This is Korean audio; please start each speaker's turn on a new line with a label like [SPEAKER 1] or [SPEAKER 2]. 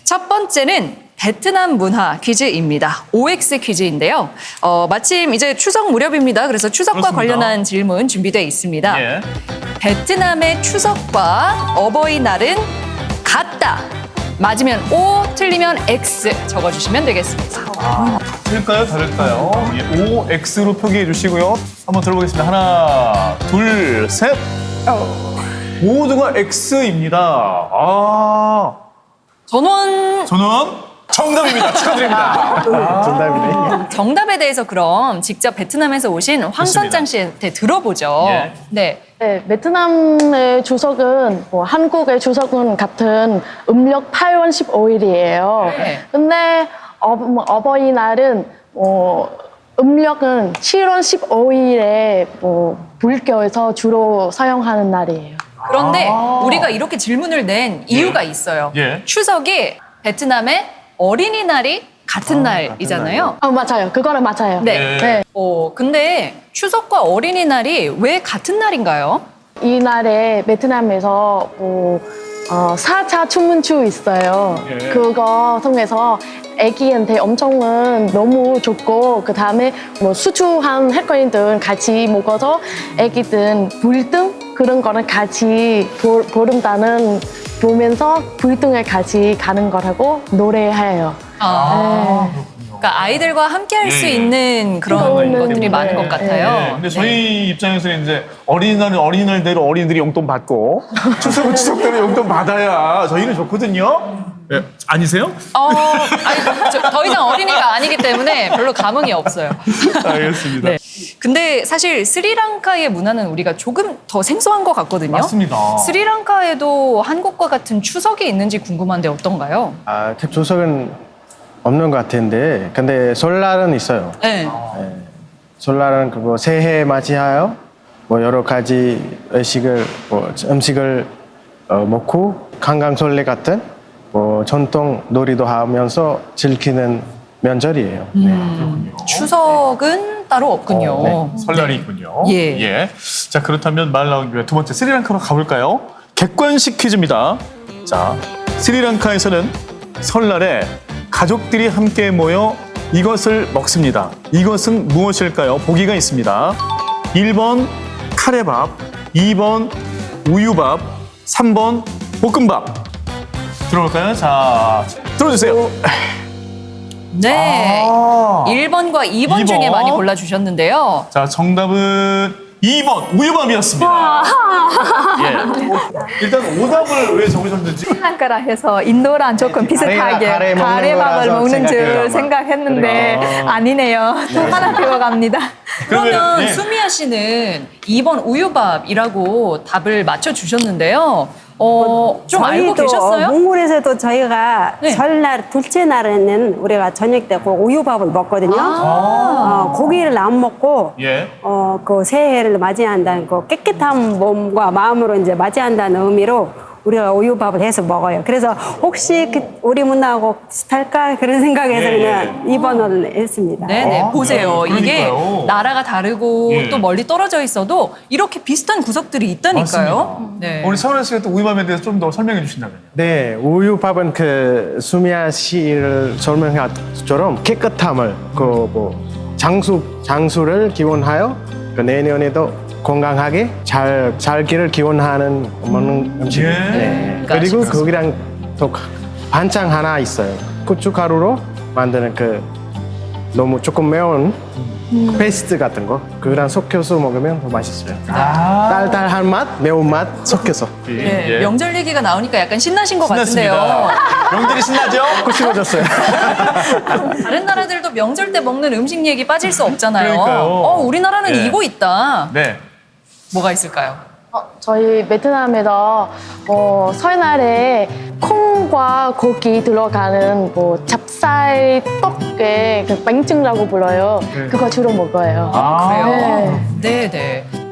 [SPEAKER 1] 첫 번째는 베트남 문화 퀴즈입니다. OX 퀴즈인데요. 마침 이제 추석 무렵입니다. 그래서 추석과
[SPEAKER 2] 그렇습니다.
[SPEAKER 1] 관련한 질문 준비되어 있습니다.
[SPEAKER 2] 예.
[SPEAKER 1] 베트남의 추석과 어버이날은 같다. 맞으면 O, 틀리면 X 적어주시면 되겠습니다.
[SPEAKER 2] 틀릴까요? 다를까요? 예, OX로 표기해 주시고요. 한번 들어보겠습니다. 하나, 둘, 셋. 모두가 X입니다.
[SPEAKER 1] 전원
[SPEAKER 2] 저는 정답입니다. 축하드립니다.
[SPEAKER 3] 정답이네.
[SPEAKER 1] 정답에 대해서 그럼 직접 베트남에서 오신 황선장 씨한테 들어보죠.
[SPEAKER 2] 예.
[SPEAKER 1] 네.
[SPEAKER 4] 네, 베트남의 추석은 한국의 추석은 같은 음력 8월 15일이에요.
[SPEAKER 1] 네.
[SPEAKER 4] 근데 어버이날은 음력은 7월 15일에 불교에서 주로 사용하는 날이에요.
[SPEAKER 1] 그런데 우리가 이렇게 질문을 낸 이유가 있어요.
[SPEAKER 2] 예.
[SPEAKER 1] 추석이 베트남의 어린이날이 같은 날이잖아요.
[SPEAKER 4] 맞아요. 그거는 맞아요.
[SPEAKER 1] 네.
[SPEAKER 4] 네.
[SPEAKER 1] 근데 추석과 어린이날이 왜 같은 날인가요?
[SPEAKER 4] 이 날에 베트남에서 4차 춘문추 있어요.
[SPEAKER 2] 예.
[SPEAKER 4] 그거 통해서 애기한테 엄청은 너무 좋고 그다음에 수추한 햇거리들 같이 먹어서 애기들 불등 그런 거는 같이 보름단은 보면서 불등을 같이 가는 거라고 노래해요.
[SPEAKER 1] 그러니까 아이들과 함께 할 수
[SPEAKER 2] 예, 예.
[SPEAKER 1] 있는 그런
[SPEAKER 4] 그거는
[SPEAKER 1] 것들이 많은 것
[SPEAKER 4] 네.
[SPEAKER 1] 같아요.
[SPEAKER 2] 네, 근데 저희 입장에서는 이제 어린이날은 어린이날대로 어린이들이 용돈 받고 추석은 추석대로 용돈 받아야 저희는 좋거든요. 네, 아니세요?
[SPEAKER 1] 더 이상 어린이가 아니기 때문에 별로 감흥이 없어요.
[SPEAKER 2] 알겠습니다.
[SPEAKER 1] 네. 근데 사실 스리랑카의 문화는 우리가 조금 더 생소한 것 같거든요.
[SPEAKER 2] 맞습니다.
[SPEAKER 1] 스리랑카에도 한국과 같은 추석이 있는지 궁금한데 어떤가요?
[SPEAKER 3] 조석은 없는 것 같은데, 근데 설날은 있어요.
[SPEAKER 1] 네.
[SPEAKER 3] 설날은 그거 새해 맞이하여 여러 가지 음식을 먹고 관광설레 같은 전통 놀이도 하면서 즐기는 명절이에요.
[SPEAKER 1] 추석은 따로 없군요.
[SPEAKER 2] 설날이 있군요.
[SPEAKER 1] 예.
[SPEAKER 2] 자, 그렇다면 말 나온 김에 두 번째 스리랑카로 가볼까요? 객관식 퀴즈입니다. 자, 스리랑카에서는 설날에 가족들이 함께 모여 이것을 먹습니다. 이것은 무엇일까요? 보기가 있습니다. 1번 카레밥, 2번 우유밥, 3번 볶음밥. 들어볼까요? 자, 들어주세요.
[SPEAKER 1] 네. 1번과 2번 중에
[SPEAKER 2] 2번.
[SPEAKER 1] 많이 골라주셨는데요.
[SPEAKER 2] 자, 정답은 2번 우유밥이었습니다. 예. 일단 오답을 왜 적으셨는지.
[SPEAKER 5] 스리랑카라 해서 인도랑 조금 비슷하게
[SPEAKER 3] 가래 먹는
[SPEAKER 5] 가래밥을
[SPEAKER 3] 거라서
[SPEAKER 5] 먹는 줄
[SPEAKER 3] 생각해요.
[SPEAKER 5] 생각했는데 아니네요. 또 하나 배워갑니다.
[SPEAKER 1] 그러면
[SPEAKER 2] 네.
[SPEAKER 1] 수미아 씨는 2번 우유밥이라고 답을 맞춰주셨는데요. 좀 알고 계셨어요?
[SPEAKER 6] 몽골에서도 저희가
[SPEAKER 1] 네.
[SPEAKER 6] 설날 둘째 날에는 우리가 저녁 때 그 우유밥을 먹거든요. 고기를 안 먹고
[SPEAKER 2] 예.
[SPEAKER 6] 그 새해를 맞이한다는 그 깨끗한 몸과 마음으로 이제 맞이한다는 의미로 우리가 우유밥을 해서 먹어요. 그래서 혹시 우리 문화하고 비슷할까 그런 생각에서
[SPEAKER 2] 예,
[SPEAKER 6] 그냥 2번을 했습니다.
[SPEAKER 1] 네네, 보세요.
[SPEAKER 2] 네,
[SPEAKER 1] 이게
[SPEAKER 2] 그러니까요.
[SPEAKER 1] 나라가 다르고
[SPEAKER 2] 예.
[SPEAKER 1] 또 멀리 떨어져 있어도 이렇게 비슷한 구석들이 있다니까요. 네.
[SPEAKER 2] 우리 서울아 씨가 또 우유밥에 대해서 좀 더 설명해 주신다면요.
[SPEAKER 3] 네, 우유밥은 수미아 씨를 설명한 것처럼 깨끗함을 장수를 기원하여 내년에도 건강하게 잘 살기를 기원하는 먹는 음식입니다.
[SPEAKER 2] 예.
[SPEAKER 3] 네.
[SPEAKER 1] 그러니까
[SPEAKER 3] 그리고 거기랑 또 반찬 하나 있어요. 고춧가루로 만드는 너무 조금 매운 페이스트 같은 거 그거랑 섞여서 먹으면 더 맛있어요. 달달한 맛, 매운 맛 섞여서.
[SPEAKER 1] 네, 명절 얘기가 나오니까 약간 신나신 것 같은데요.
[SPEAKER 2] 신났습니다. 명절이 신나죠?
[SPEAKER 3] 먹고 싶어졌어요.
[SPEAKER 1] 다른 나라들도 명절 때 먹는 음식 얘기 빠질 수 없잖아요.
[SPEAKER 2] 그러니까요.
[SPEAKER 1] 우리나라는
[SPEAKER 2] 예.
[SPEAKER 1] 이거 있다.
[SPEAKER 2] 네.
[SPEAKER 1] 뭐가 있을까요?
[SPEAKER 4] 저희 베트남에서 설날에 콩과 고기 들어가는 찹쌀 떡에 그 빵증이라고 불러요. 그거 주로 먹어요.
[SPEAKER 1] 그래요?
[SPEAKER 4] 네.
[SPEAKER 1] 네네.